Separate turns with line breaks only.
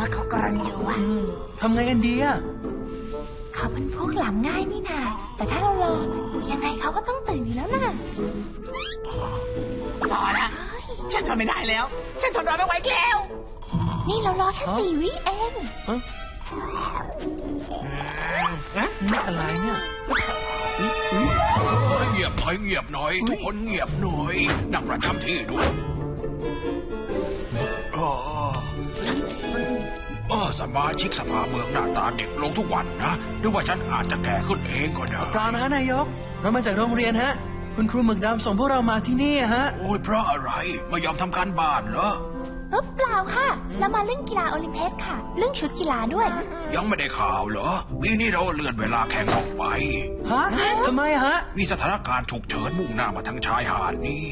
ว่าเขากรนอยู่อ่ะ
ทำไงกันดีอ่ะ
เขาเป็นพวกหลับง่ายนี่นาแต่ถ้าเรารอยังไงเขาก็ต้องตื่นอยู่แล้วนะ
พอละฉันทนไม่ได้แล้วฉันทนรอไม่ไหวแล้ว
นี่เรารอแค่4 วิเอง
นี่อะไรเนี่ย
เงียบหน่อยทุกคนเงียบหน่อยนั่งประจำที่ด้วยสมาชิกสภาเมืองหน้าตาเด็กลงทุกวันนะหรือว่าฉันอาจจะแก่ขึ้นเองก็ได้
เปล่านะนายกเรามาจากโรงเรียนฮะคุณครูหมึกดำส่งพวกเรามาที่นี่ฮะ
โอ้ยเพราะอะไรไม่ยอมทำการบ้านเหรอ
เปล่าค่ะเรามาเล่นกีฬาโอลิมปิกค่ะเรื่องชุดกีฬาด้วย
ยังไม่ได้ข่าวเหรอปีนี้เราเลื่อนเวลาแข่งออกไป
ฮะทำไมฮะ
มีสถานการณ์ฉุกเฉินมุ่งหน้ามาทางชายหาดนี้